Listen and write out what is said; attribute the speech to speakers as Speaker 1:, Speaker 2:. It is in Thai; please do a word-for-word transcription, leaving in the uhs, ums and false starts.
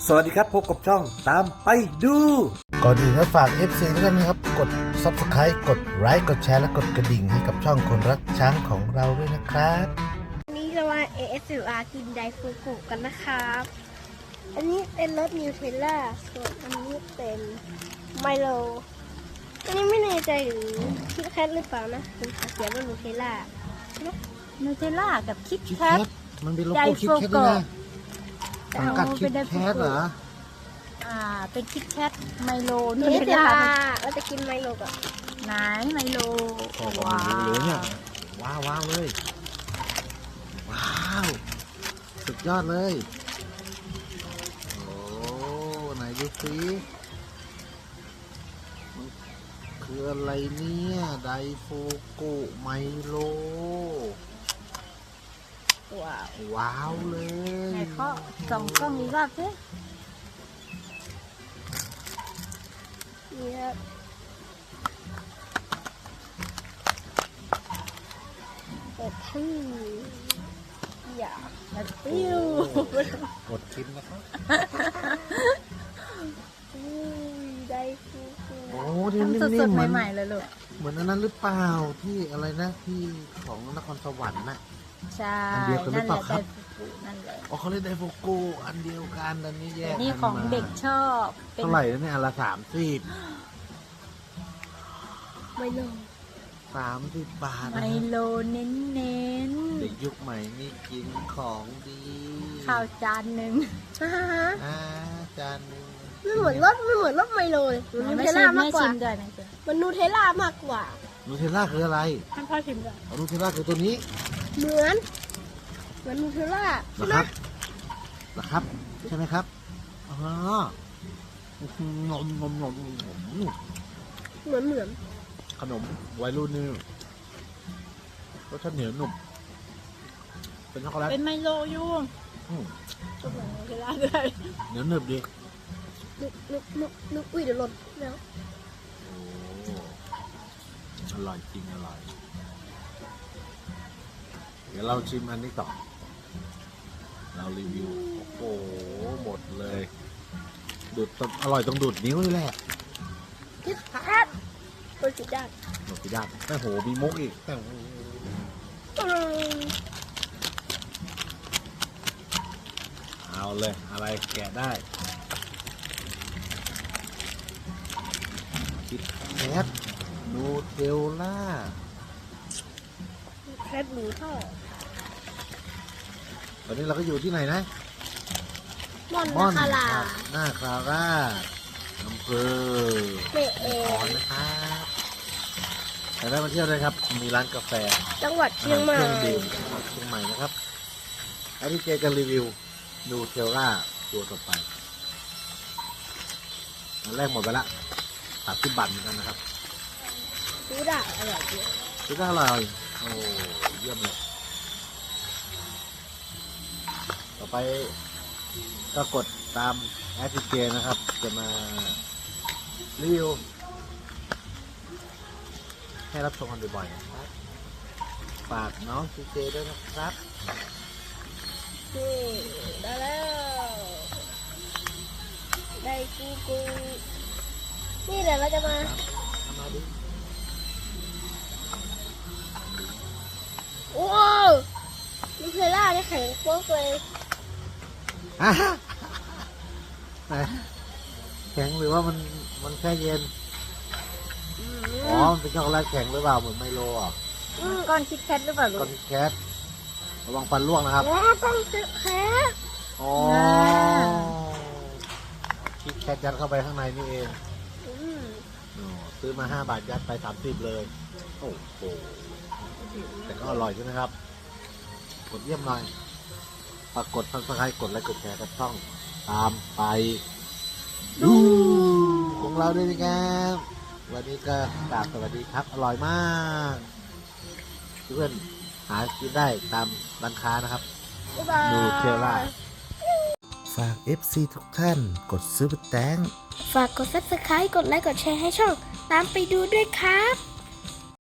Speaker 1: สวัสดีครับพบกับช่องตามไปดู
Speaker 2: ก่อนอื่นก็ฝาก เอฟ ซี ทุกท่านนะครับกด ซับสไครบ์ กดไลค์กดแชร์และกดกระดิ่งให้กับช่องคนรักช้างของเราด้วยนะครับ
Speaker 3: วันนี้จะมา เอ เอส อาร์ กินไดฟูกุกันนะครับอันนี้เป็นรสนิวเทลล่าส่วนอันนี้เป็นไมโลอันนี้ไม่แน่ใจหรือคิดแคทหรือเปล่านะเป็นเขียนว่านิวเทลล่า
Speaker 4: นูเทลล่ากับคิด
Speaker 2: คิด
Speaker 4: แค
Speaker 2: แค
Speaker 4: ท
Speaker 2: ทมันเป็นโลโก้คิดแคทด้วยนะสังกัดคิดแคทเหรอ
Speaker 4: อ่าเป็นคิดแคทไมโล
Speaker 3: นิ
Speaker 4: นู
Speaker 3: ว
Speaker 4: เท
Speaker 3: เท
Speaker 4: ล
Speaker 3: ล
Speaker 4: ล่า
Speaker 3: ล่าเราจะกินไมโลก่อน
Speaker 4: ไหนไมโล
Speaker 2: โอ้โห
Speaker 4: ว้า
Speaker 2: รู้เลยเนี่
Speaker 4: วย
Speaker 2: ว้าวว้าวเลยว้าวสุดยอดเลยโอ้ไหนดูสิมันคืออะไรเนี่ยไดฟูกุไมโล
Speaker 4: ว้าว
Speaker 2: ว้าวเลย
Speaker 4: ไหนเขาส่องกล้องอีกรอบสิ
Speaker 3: นี่ครับเปิดที่อย่า
Speaker 4: แล้วปิ้ว
Speaker 2: กดชิมนะครับ
Speaker 3: อุ้ยไดฟูกุ
Speaker 2: โอ้ที่
Speaker 4: ทำ
Speaker 2: นิ่
Speaker 4: ส
Speaker 2: ม
Speaker 4: ด
Speaker 2: ๆเหมือน
Speaker 4: ๆใหม่ๆเลยลูก
Speaker 2: เหมือนอันนั้นหรือเปล่าที่อะไรนะที่ของนครสวรรค์น่ะ
Speaker 4: ใช่
Speaker 2: อันเดียวกันหรือ
Speaker 4: นั่น
Speaker 2: เป
Speaker 4: แห
Speaker 2: ล่า
Speaker 4: ละ
Speaker 2: ครั
Speaker 4: ได
Speaker 2: บ
Speaker 4: ฟูกุนั่นแหละ
Speaker 2: อ๋อเขาเรียกไดฟูกุอันเดียวกันอันนี้แย
Speaker 4: แต่
Speaker 2: ก
Speaker 4: นี่
Speaker 2: กัน
Speaker 4: ของ
Speaker 2: มา
Speaker 4: เด็กชอบเป็น
Speaker 2: เท่าไหร่แล้วเนี่ยอันละสามสิบ
Speaker 3: ไมโล
Speaker 2: สามสิบบาท
Speaker 4: ไม
Speaker 2: นะครับ
Speaker 4: โลเน้นเน้นๆ
Speaker 2: เด็กยุคใหม่นี่กินของดี
Speaker 4: ข้าวจานหนึ่ง
Speaker 3: ฮ่าฮ่าฮ่า
Speaker 2: อ่าจานหนึง
Speaker 3: ไม่เหมือนรสไม่เหมือนรสไมโลเลยมันนู
Speaker 4: ไม่
Speaker 3: เทล
Speaker 4: ชิ
Speaker 3: ล่าม มาก
Speaker 4: ไม่
Speaker 3: กว่า
Speaker 4: ชิมด้วยไม่ชิม
Speaker 3: มันนูเทลล่ามากกว่า
Speaker 2: นูเทลล่าคืออะไร
Speaker 4: ท่านพ่อชิมด้วย
Speaker 2: อ๋อนูเทลล่าคือตัวนี้
Speaker 3: เหมือน เหมือนนูเทลล่า
Speaker 2: เหร
Speaker 3: ใช่
Speaker 2: อ
Speaker 3: ไหม
Speaker 2: ครับเหรอครับใช่ไหมครับอ๋ออื้อหือนมนมนมนม
Speaker 3: เหมือนเหมือน
Speaker 2: ขนมวัยรุ่นนี่รสชาติเหนียวหนุ่มเป็นช็อกโกแลต
Speaker 4: เป็นไมโลอยู่
Speaker 2: อืม
Speaker 4: ก็เหมือนนูเทลล่าด้วย
Speaker 2: เหนียวหนึบดี
Speaker 3: นึกนึกนึกนึกอุ้ยเดี๋ยวหล่นแล้ว
Speaker 2: โอ้อร่อยจริงอร่อย เดี๋ยวเราชิมอันนี้ต่อ เรารีวิว โอ้โห หมดเลย ดูดอร่อยต้องดูดนิ้วนี่แหละ
Speaker 3: คิดแคทเปิดสิด้าน
Speaker 2: หมดกี่ด้านแต่โห มีมุกอีกแต่โห
Speaker 3: อืม
Speaker 2: เอาเลย อะไรแกะได้ คิดแคทนูเทลล่า
Speaker 3: แคทหนูทอด
Speaker 2: ตอนนี้เราก็อยู่ที่ไหนนะ
Speaker 3: ม่อน
Speaker 2: ม่อน
Speaker 3: นาคารา
Speaker 2: หน้าคาร่าอำเภอ
Speaker 3: เปะเอ
Speaker 2: ขอนนะครับแต่ได้มาเที่ยวเลยครับ มีร้านกาแฟ
Speaker 3: จังหวัดเชียงใหม่
Speaker 2: อาหารเครื่องดื่มจังหวัดเชียงใหม่นะครับอันนี้เจจะรีวิวนูเทลล่าตัวต่อไปอันแรกหมดไปละสามสิบบาทเหมือนกันนะครับ
Speaker 3: ซื้อได้อร่อยจริง
Speaker 2: ซื้อได้อร่อยโอ้เยี่ยมเลยต่อไปก็กดตามแอปพลิเคชันนะครับ จะมารีวิวให้รับชมกันบ่อยๆนะครับฝากน้องซีเจด้วยนะครับ
Speaker 3: นี่ได้แล้วได้กูกูนี่เดี๋ยวเราจะมา
Speaker 2: เอามาดิ
Speaker 3: ว้าวนูเทลล่าเนี่ยแข็งโป๊กเลย
Speaker 2: อ่ะไหนแข็งหรือว่ามันมันแค่เย็น
Speaker 3: อื
Speaker 2: อ๋อ
Speaker 3: ม
Speaker 2: มันเป็นช็อกโกแลตแข็งหรือเปล่าเหมือนไมโลอ่ะ
Speaker 3: อืม
Speaker 4: ก้อนคิดแคทหรือเปล่าลู
Speaker 2: ก้อก นแคทระวังฟันร่วงนะครับ
Speaker 3: ว้าวต้องซื้อแคท
Speaker 2: อ๋อคิดแคทยัดเข้าไปข้างในนี่เอง
Speaker 3: อืม
Speaker 2: อ๋อซื้อมาห้าบาทยัดไปสามสิบเลย โอ้โห แต่ก็อร่อยใช่ไหมครับ กดเยี่ยมหน่อยฝากกดซับสไครต์กดไลค์กดแชร์กับช่อง ตามไปดูของเราด้วยนะครับวันนี้ก็กราบสวัสดีครับ อร่อยมากเพื่อนหากินได้ตามร้านค้านะครับ
Speaker 3: บ๊ายบาย
Speaker 2: นูเทลล่า ฝาก เอฟ ซี ทุกท่านกดซื้อแตง
Speaker 3: ฝากกด ซับสไครบ์ กดไลค์ กดแชร์ให้ช่อง ตามไปดูด้วยครับ